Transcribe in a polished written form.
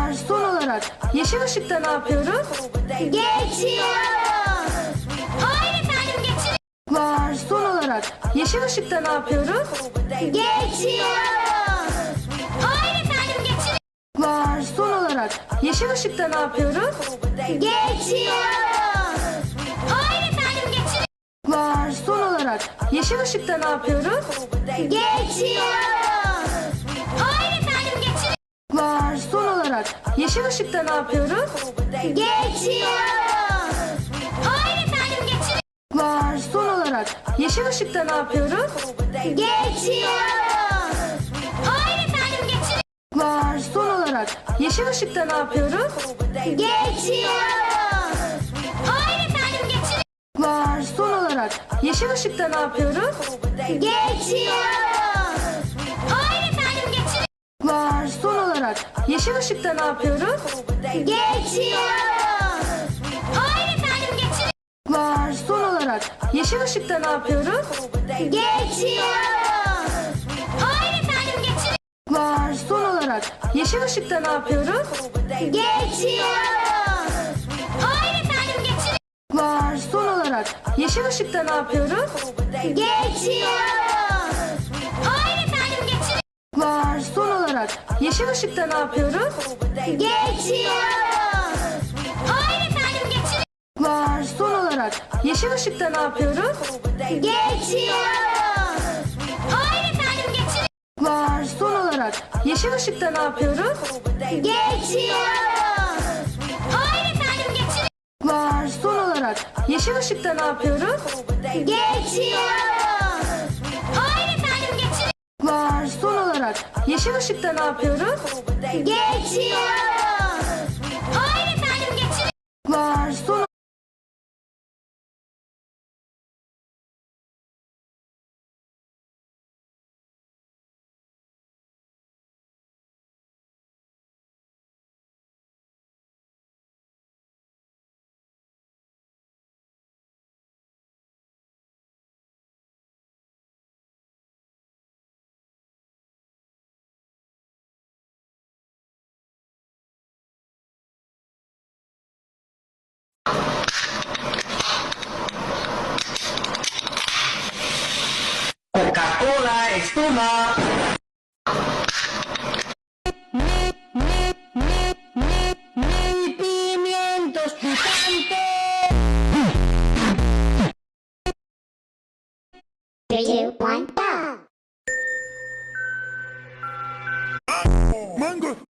Son olarak yeşil ışıkta ne yapıyoruz? Geçiyoruz. Hayır efendim geçin. Son olarak yeşil ışıkta ne yapıyoruz? Geçiyoruz. Hayır efendim geçin. Son olarak yeşil ışıkta ne yapıyoruz? Geçiyoruz. Hayır efendim geçin. Son olarak yeşil ışıkta ne yapıyoruz? Geçiyoruz. Hayır efendim geçin. Son olarak yeşil ışıkta ne yapıyoruz? Geçiyoruz. Hayır efendim geçin. Son olarak yeşil ışıkta ne yapıyoruz? Geçiyoruz. Hayır efendim geçin. Son olarak yeşil ışıkta ne yapıyoruz? Geçiyoruz. Hayır efendim geçin. Son olarak yeşil ışıkta ne yapıyoruz? Geçiyoruz. Hayır efendim geçin. Son olarak yeşil ışıkta ne yapıyoruz? Geçiyoruz. Hayır efendim geçin. Son olarak yeşil ışıkta ne yapıyoruz? Geçiyoruz. Hayır efendim geçin. Son olarak yeşil ışıkta ne yapıyoruz? Geçiyoruz. Hayır efendim geçin. Son olarak yeşil ışıkta ne yapıyoruz? Geçiyoruz. Hayır efendim geçin. Son olarak yeşil ışıkta ne yapıyoruz? Geçiyoruz. Hayır efendim geçin. Son olarak yeşil ışıkta ne yapıyoruz? Geçiyoruz. Hayır efendim geçin. Son olarak yeşil ışıkta ne yapıyoruz? Geçiyoruz. Hayır efendim geçin. Son olarak yeşil ışıkta ne yapıyoruz? Geçiyoruz. Hayır efendim geçin. Son olarak yeşil ışıkta ne yapıyoruz? Geçiyoruz. Hayır efendim geçin. Son Coca-Cola, espuma. Pimientos picantes. Mango.